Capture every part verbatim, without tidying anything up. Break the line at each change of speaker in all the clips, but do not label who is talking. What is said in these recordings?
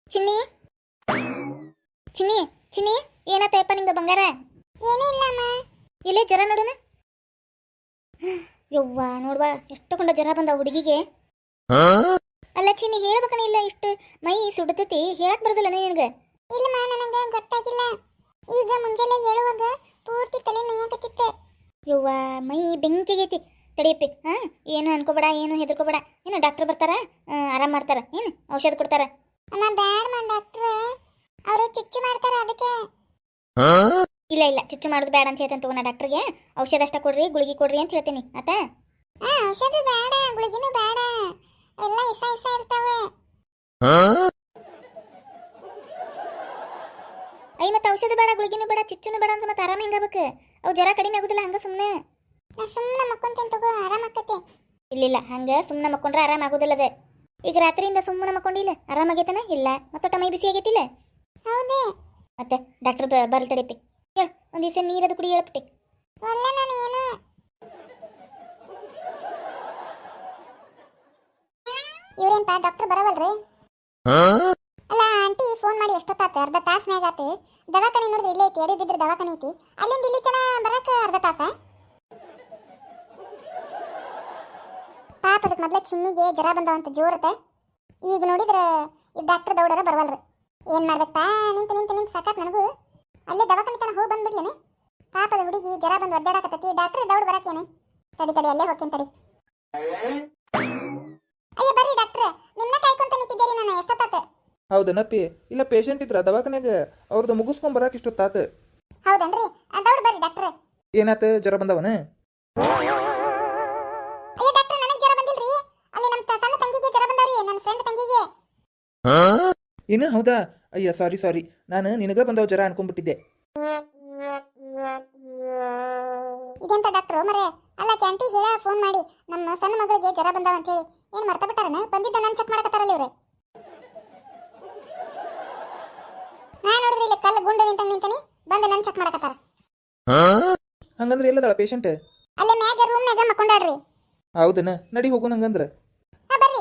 ಚಿನ್ನಿ ಚಿನ್ನಿ ಚಿನ್ನಿ ಏನಾತಪ್ಪ ನಿಂದು ಬಂಗಾರ?
ಏನೂ ಇಲ್ಲ ಅಮ್ಮ.
ಇಲ್ಲೇ ಜ್ವರ ನೋಡುನ. ಯವ್ವ ನೋಡ್ವಾ ಎಷ್ಟೊಂಡ ಜ್ವರ ಬಂದ ಹುಡುಗಿಗೆ. ಅಲ್ಲ ಚಿನ್ನಿ ಹೇಳ್ಬೇಕನ ಇಲ್ಲ ಇಷ್ಟು ಮೈ ಸುಡತೈತಿ ಹೇಳಕ್ ಬರೋದಿಲ್ಲ ನಿನಗೆ?
ಇಲ್ಲಮ್ಮ ನನಗೆ ಗೊತ್ತಾಗಿಲ್ಲ. ಈಗ ಮುಂಜಾನೆ ಹೇಳುವಾಗ ಪೂರ್ತಿ ತಲೆ ನೋಯಕತ್ತಿತ್ತು.
ಯವ್ವ ಮೈ ಬೆಂಕಿಗೈತಿ. ತಡಿಯಪ್ಪಿ ಹಾ ಏನು ಅನ್ಕೋಬೇಡ, ಏನು ಹೆದರ್ಕೋಬೇಡ. ಏನು ಡಾಕ್ಟರ್ ಬರ್ತಾರ, ಆರಾಮ್ ಮಾಡ್ತಾರ, ಏನು ಔಷಧ ಕೊಡ್ತಾರ.
ಅಮ್ಮ ಬ್ಯಾಡ್ ಮಾ ಡಾಕ್ಟ್ರ್, ಅವರು ಚುಚ್ಚು ಮಾಡ್ತಾರ ಅದಕ್ಕೆ.
ಇಲ್ಲ ಇಲ್ಲ ಚುಚ್ಚು ಮಾಡೋದು ಬೇಡ ಅಂತ ಹೇಳ್ತೇನೆ ತಗೋಣ. ಡಾಕ್ಟರ್ಗೆ ಔಷಧ ಅಷ್ಟ ಕೊಡ್ರಿ, ಗುಳಿಗೆ ಕೊಡ್ರಿ ಅಂತ ಹೇಳ್ತೀನಿ ಆತ.
ಹಾ ಔಷಧ ಬೇಡ, ಗುಳಿಗಿನೂ ಬೇಡ, ಎಲ್ಲ ಇಸ ಇಸ ಇರ್ತಾವೆ.
ಐ ಮತ್ತೆ ಔಷಧ ಬೇಡ, ಗುಳಿಗಿನೂ ಬೇಡ, ಚುಚ್ಚುನು ಬೇಡ ಅಂದ್ರೆ ಮತ್ತೆ ಆರಾಮ ಹೆಂಗಾಗಬೇಕು? ಅವು ಜ್ವರ ಕಡಿಮೆ ಆಗುದಿಲ್ಲ ಹಂಗ ಸುಮ್ಮನೆ.
ನಾ ಸುಮ್ಮನೆ ಮಕ್ಕೊಂತೇನೆ ತಗೋ, ಆರಾಮ ಆಕತಿ.
ಇಲ್ಲ ಹಂಗ ಸುಮ್ಮನೆ ಮಕ್ಕೊಂಡ್ರೆ ಆರಾಮ ಆಗುದಿಲ್ಲ ಅದ. ಈಗ ರಾತ್ರಿಯಿಂದ ಸುಮ್ಮನೆ ಮಕ್ಕೊಂಡಿಲ್ಲ, ಆರಾಮಾಗೈತನ? ಇಲ್ಲ ಮತ್ತೊಟ್ಟ ಮೈ ಬಿಸಿ ಆಗೈತಿಲ್ಲ?
ಹೌದೇ
ಮತ್ತೆ ಡಾಕ್ಟರ್ ಬರ್ಲಿ ತಡಿಪಿ. ಹೇಳು ಒಂದು ದಿವಸ ನೀರದು ಕುಡಿ ಹೇಳ್ಬಿಟ್ಟೆ.
ಒಲ್ಲ ನಾನು ಏನು ಇವ್ರೇನ್ಪ ಡಾಕ್ಟರ್ ಬರವಲ್ರಿ? ಅಲ್ಲ ಆಂಟಿ ಫೋನ್ ಮಾಡಿ ಎಷ್ಟೊತ್ತಾತ? ಅರ್ಧ ತಾಸ್ ಮ್ಯಾಗ ಆತು. ದವಾಖಾನೆ ನೋಡಿದ್ರೆ ಇಲ್ಲೇ ಐತಿ, ಎಡಿ ಬಿದ್ರೆ ದವಾಖಾನೆ ಐತಿ. ಅಲ್ಲಿಂದ ಇಲ್ಲಿ ತನ ಬರಕ ಅರ್ಧ ತಾಸ? ಪಾಪ ಅದಕ್ಕೆ ಮೊದ್ಲ ಚಿನ್ನಿಗೆ ಜ್ವರ ಬಂದವಂತ ಜೋರತ. ಈಗ ನೋಡಿದ್ರೆ ಈ ಡಾಕ್ಟರ್ ದೌಡರ ಬರವಲ್ರಿ. ಏನ್ ಮಾಡ್ಬೇಕಪ್ಪ, ನಿಂತು ನಿಂತು ನಿಂತು ಸಾಕಾತ್ ನನಗೂ. ಅಲ್ಲೇ ದವಾಖಾನೆ ತನ ಹೋಗಿ ಬಂದ್ಬಿಡ್ಲೇನೆ. ಪಾಪದ ಹುಡುಗಿ ಜ್ವರ ಬಂದು ಒದ್ದಾಡಕತ್ತೈತಿ, ಡಾಕ್ಟರ್ ದೌಡ್ ಬರಕೇನೆ. ತಡಿ ತಡಿ ಅಲ್ಲೇ ಹೋಗ್ತೀನಿ ತಡಿ. ಅಯ್ಯ ಬರ್ರಿ ಡಾಕ್ಟ್ರ, ನಿನ್ನ ಕಾಯ್ಕೊಂತ ನಿಂತಿದ್ದೀರಿ ನಾನು ಎಷ್ಟೊತ್ತಾತ.
ಹೌದನಪ್ಪಿ? ಇಲ್ಲ ಪೇಷಂಟ್ ಇದ್ರ ದವಾಖಾನ್ಯಾಗ, ಅವ್ರದ್ದು ಮುಗಿಸ್ಕೊಂಡ್ ಬರಾಕ ಇಷ್ಟೊತ್ತಾತ.
ಹೌದನ್ರಿ, ದೌಡ್ ಬರ್ರಿ ಡಾಕ್ಟ್ರ.
ಏನಾತ? ಜ್ವರ ಬಂದವನ?
ಅಯ್ಯ ಡಾಕ್ಟ್ರ ನನಗೆ ಜ್ವರ ಬಂದಿಲ್ರಿ, ಅಲ್ಲಿ ನಮ್ಮ ಸಣ್ಣ ತಂಗಿಗೆ ಜ್ವರ ಬಂದಾರಿ, ನನ್ನ ಫ್ರೆಂಡ್ ತಂಗಿಗೆ.
ಏನು ಹೌದಾ? ಅಯ್ಯ ಸಾರಿ ಸಾರಿ, ನಾನು ನಿನಗ ಬಂದವ ಜ್ವರ ಅನ್ಕೊಂಡ್ಬಿಟ್ಟಿದ್ದೆ.
ಇದೆಂತ ಡಾಕ್ಟ್ರು ಮರೆ? ಅಲ್ಲ ಕ್ಯಾಂಟಿ ಹೇಳ ಫೋನ್ ಮಾಡಿ ನಮ್ಮ ಸಣ್ಣ ಮಗಳಿಗೆ ಜ್ವರ ಬಂದಾವ ಅಂತ ಹೇಳಿ. ಏನ್ ಮರ್ತ ಬಿಟ್ಟಾರನ? ಬಂದಿದ್ದ ನಾನು ಚೆಕ್ ಮಾಡಕತ್ತಾರಲ್ಲ ಇವ್ರೆ. ನಾ ನೋಡಿದ್ರಿ ಇಲ್ಲಿ ಕಲ್ಲು ಗುಂಡು ನಿಂತ ನಿಂತನಿ, ಬಂದು ನಾನು ಚೆಕ್ ಮಾಡಕತ್ತಾರ.
ಹಂಗಂದ್ರೆ ಎಲ್ಲದಳ ಪೇಷಂಟ್?
ಅಲ್ಲೇ ಮ್ಯಾಗ ರೂಮ್ನಾಗ ಮಕ್ಕೊಂಡಾಡ್ರಿ.
ಹೌದನ, ನಡಿ ಹೋಗೋಣ ಹಂಗಂದ್ರ.
ಹಾ ಬರ್ರಿ.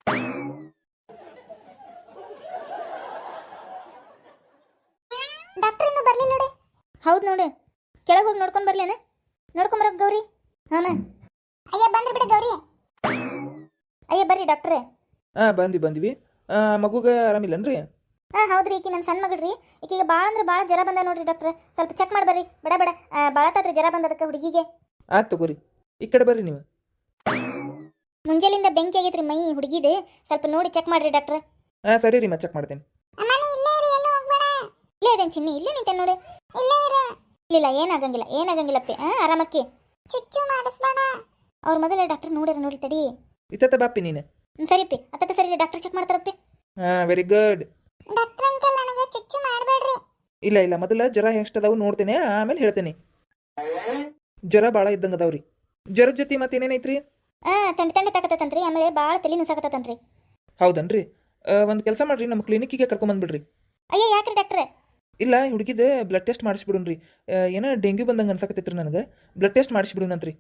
ಡಾಕ್ಟರ್ ಇನ್ನೂ ಬರ್ಲಿಲ್ಲ ನೋಡಿ.
ಹೌದು ನೋಡು, ಕೆಳಗೆ ಹೋಗಿ ನೋಡ್ಕೊಂಡ್ ಬರ್ಲೇನ? ನೋಡ್ಕೊಂಬರಕ್ ಗೌರಿ. ಹಾಮ
ಅಯ್ಯ ಬಂದ್ರಿ ಬಿಡು ಗೌರಿ.
ಅಯ್ಯ ಬರ್ರಿ ಡಾಕ್ಟ್ರೇ.
ಹಾ ಬಂದಿ ಬಂದಿವಿ. ಮಗುಗ ಆರಾಮಿಲ್ಲನ್ರಿ?
ಹಾಂ ಹೌದ್ರಿ, ಈಕಿ ನನ್ನ ಸಣ್ಣ ಮಗಳ್ರಿ. ಈಕಿಗೆ ಭಾಳ ಅಂದ್ರೆ ಭಾಳ ಜ್ವರ ಬಂದ ನೋಡ್ರಿ ಡಾಕ್ಟ್ರೆ. ಸ್ವಲ್ಪ ಚೆಕ್ ಮಾಡಿ ಬರ್ರಿ, ಬಡ ಬಡ ಭಾಳತ್ತಾದ್ರಿ ಜ್ವರ ಬಂದದಕ್ಕೆ ಹುಡುಗಿಗೆ.
ಆಯ್ತು ತಗೋರಿ, ಈ ಕಡೆ ಬರ್ರಿ ನೀವು.
ಮುಂಜಾಲಿಂದ ಬೆಂಕಿ ಆಗೈತ್ರಿ ಮೈ ಹುಡುಗಿದು, ಸ್ವಲ್ಪ ನೋಡಿ ಚೆಕ್ ಮಾಡ್ರಿ ಡಾಕ್ಟ್ರೆ.
ಹಾ ಸರಿ ರೀ, ಮತ್ತೆ ಚೆಕ್ ಮಾಡ್ತೇನೆ.
ಅಮ್ಮ ನೀ ಇಲ್ಲೇ ಇರಿ, ಎಲ್ಲೂ ಹೋಗ್ಬೇಡ.
ಇಲ್ಲೇ ಇದೇನು ಚಿನ್ನಿ, ಇಲ್ಲೇ ನಿಂತೆ ನೋಡಿ.
ಇಲ್ಲೇ ಇರು.
ಇಲ್ಲ ಏನಾಗಂಗಿಲ್ಲ ಏನಾಗಂಗಿಲ್ಲಪ್ಪಿ. ಹಾಂ ಆರಾಮಕ್ಕಿ,
ಚುಚ್ಚು ಮಾಡಿಸ್ಬೇಡ.
ಅವ್ರ ಮೊದಲೇ ಡಾಕ್ಟರ್ ನೋಡ್ಯಾರ ನೋಡಿ ತಡಿ.
ಇತ್ತ ಬಾಪಿ ನೀನು.
ಹ್ಞೂ ಸರಿಪ್ಪಿ, ಹತ್ತತ್ತು ಸರಿ ಡಾಕ್ಟರ್ ಚೆಕ್ ಮಾಡ್ತಾರಪ್ಪಿ.
ಹಾ ವೆರಿ ಗುಡ್.
ಡಾಕ್ಟರ್ ಅಂಕಲ್ ನನಗೆ ಚುಚ್ಚು ಮಾಡಬೇಡ್ರಿ.
ಇಲ್ಲ ಇಲ್ಲ, ಮೊದಲ ಜ್ವರ ಎಷ್ಟದಾವು ನೋಡ್ತೇನೆ, ಆಮೇಲೆ ಹೇಳ್ತೇನೆ. ಜ್ವರ ಭಾಳ ಇದ್ದಂಗೆ ಅದಾವ್ರಿ. ಜ್ವರದ ಜೊತೆ ಮತ್ತೇನೇನೈತ್ರಿ?
ಹಾಂ ತಂಡಿ ತಂಡಿ ತಾಕತ್ತಂತ್ರಿ, ಆಮೇಲೆ ಭಾಳ ತಲೆ ನುಸಾಕತ್ತಂತ್ರಿ.
ಹೌದನ್ರಿ? ಒಂದು ಕೆಲಸ ಮಾಡ್ರಿ, ನಮ್ಮ ಕ್ಲಿನಿಕ್ಕಿಗೆ ಕರ್ಕೊಂಬಂದ್ಬಿಡ್ರಿ.
ಅಯ್ಯ ಯಾಕ್ರಿ ಡಾಕ್ಟ್ರೆ?
ಇಲ್ಲ ಹುಡುಗಿದ ಬ್ಲಡ್ ಟೆಸ್ಟ್ ಮಾಡಿಸ್ಬಿಡುನ್ರಿ. ಏನೋ ಡೆಂಗ್ಯೂ ಬಂದಂಗೆ ಅನ್ಸಕತ್ತೈತ್ರಿ ನನಗೆ. ಬ್ಲಡ್ ಟೆಸ್ಟ್ ಮಾಡಿಸ್ಬಿಡುನಂತ್ರಿ.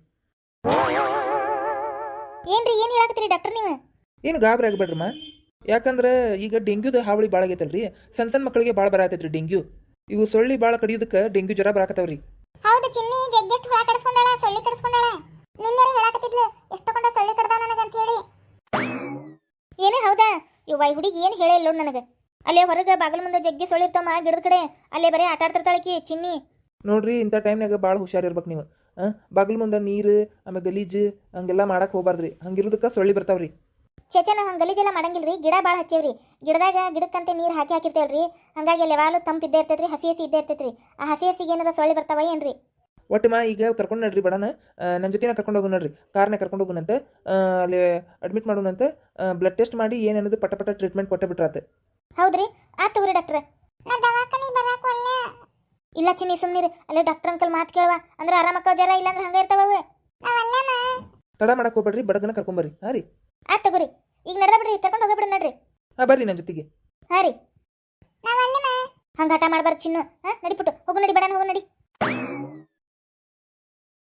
ಏನ್ರಿ ಏನು ಹೇಳಕತ್ತೀರಿ ಡಾಕ್ಟರ್ ನೀವು?
ಏನು ಗಾಬರಿ ಆಗಬೇಡ್ರಮ್ಮ, ಯಾಕಂದ್ರೆ ಈಗ ಡೆಂಗ್ಯೂದ ಹಾವಳಿ ಭಾಳ ಆಗೈತಲ್ರಿ. ಸಣ್ಣ ಸಣ್ಣ ಮಕ್ಕಳಿಗೆ ಭಾಳ ಬರತೈತ್ರಿ ಡೆಂಗ್ಯೂ. ಇವು ಸೊಳ್ಳಿ ಭಾಳ ಕಡಿಯೋದಕ್ಕೆ ಡೆಂಗ್ಯೂ ಜ್ವರ ಬರಾಕತ್ತವ್ರಿ.
ಹೌದು ಚಿನ್ನಿ ಜಗ್ಗೆಷ್ಟು ಹುಳ ಕಡಿಸ್ಕೊಂಡಾಳ, ಸೊಳ್ಳಿ ಕಡಿಸ್ಕೊಂಡಾಳ. ನಿನ್ನೆರೆ ಹೇಳಕತ್ತಿದ್ಲು ಎಷ್ಟೊಂಡ ಸೊಳ್ಳಿ ಕಡ್ದಾವ ನನಗೆ ಅಂತ ಹೇಳಿ.
ಏನೇ ಹೌದಾ? ಇವ್ವ ಈ ಹುಡುಗಿ ಏನು ಹೇಳೇ ಇಲ್ಲ ನನಗೆ. ಅಲ್ಲೇ ಹೊರಗೆ ಬಾಗಿಲು ಮುಂದೆ ಜಗ್ಗಿ ಸೊಳ್ಳಿರ್ತಮ್ಮ ಗಿಡದ ಕಡೆ, ಅಲ್ಲೇ ಬರೀ ಆಟ ಆಡ್ತಿರ್ತಾಳಕಿ ಚಿನ್ನಿ.
ನೋಡ್ರಿ ಇಂಥ ಟೈಮ್ನಾಗ ಭಾಳ ಹುಷಾರಿರ್ಬೇಕು ನೀವು. ಹಾಂ ಬಾಗಿಲು ಮುಂದೆ ನೀರು ಆಮೇಲೆ ಗಲೀಜು ಹಂಗೆಲ್ಲ ಮಾಡಕ್ಕೆ ಹೋಗ್ಬಾರ್ದ್ರಿ. ಹಂಗಿರೋದಕ್ಕೆ ಸೊಳ್ಳಿ ಬರ್ತಾವ್ರಿ.
ಚೇಚೆ ನಾವು ಹಂಗೆ ಗಲೀಜೆಲ್ಲ ಮಾಡಂಗಿಲ್ರಿ, ಗಿಡ ಭಾಳ ಹಚ್ಚೇವ್ರಿ. ಗಿಡದಾಗ ಗಿಡಕ್ಕಂತೆ ನೀರು ಹಾಕಿ ಹಾಕಿರ್ತೇವ್ರಿ. ಹಂಗಾಗಿ ಅಲ್ಲಿ ಯಾವಾಗಲೂ ತಂಪು ಇದ್ದೇ ಇರ್ತೈತ್ರಿ, ಹಸಿ ಹಸಿ ಇದ್ದೇ ಇರ್ತೈತ್ರಿ. ಆ ಹಸಿ ಹಸಿಗೆ ಏನಾರ ಸೊಳ್ಳಿ ಬರ್ತಾವ ಏನ್ರಿ?
ಒಟ್ಟು ಮಾ ಈಗ ಕರ್ಕೊಂಡು ನಡ್ರಿ ಬಡನ, ನನ್ನ ಜೊತೆನ ಕರ್ಕೊಂಡು ಹೋಗು ನೋಡ್ರಿ. ಕಾರ್ನ ಕರ್ಕೊಂಡು ಹೋಗುನಂತೆ, ಅಲ್ಲಿ ಅಡ್ಮಿಟ್ ಮಾಡೋಣಂತೆ. ಬ್ಲಡ್ ಟೆಸ್ಟ್ ಮಾಡಿ ಏನನ್ನೋದು ಪಟ ಪಟ ಟ್ರೀಟ್ಮೆಂಟ್ ಕೊಟ್ಟೆ ಬಿಟ್ರಾತ.
ಹೌದ್ರಿ, ಆತ್ ತಗೋರಿ ಡಾಕ್ಟ್ರೆ.
ನಾ ದವಾಖಾನೆ ಬರಾಕ ಒಲ್ಲ.
ಇಲ್ಲ ಚಿನ್ನಿ ಸುಮ್ಮನಿರಿ, ಅಲ್ಲೇ ಡಾಕ್ಟರ್ ಅಂಕಲ್ ಮಾತು ಕೇಳುವ ಅಂದ್ರೆ ಆರಾಮಕ್ಕ ಜ್ವರ, ಇಲ್ಲಾಂದ್ರೆ ಹಂಗೆ ಇರ್ತಾವ.
ನಾವಲ್ಲಮ್ಮ.
ತಡ ಮಾಡಕ್ಕೆ ಹೋಗ್ಬೇಡ್ರಿ, ಬಡಗನ ಕರ್ಕೊಂಬರ್ರಿ. ಹಾಂ ರೀ
ಆತ್ ತಗೋರಿ, ಈಗ ನಡ್ದ ಬಿಡ್ರಿ, ಕರ್ಕೊಂಡು ಹೋಗ್ಬಿಡ್ರಿ ನಡ್ರಿ.
ಹಾಂ ಬರ್ರಿ ನನ್ನ ಜೊತೆಗೆ.
ಹಾಂ ರೀ,
ನಾವಲ್ಲಮ್ಮ.
ಹಂಗೆ ಹಠ ಮಾಡ್ಬಾರ್ದು ಚಿನ್ನು. ಹಾಂ ನಡಿಬಿಟ್ಟು ಹೋಗು, ನಡಿ ಬೇಡ ಹೋಗು ನಡಿ.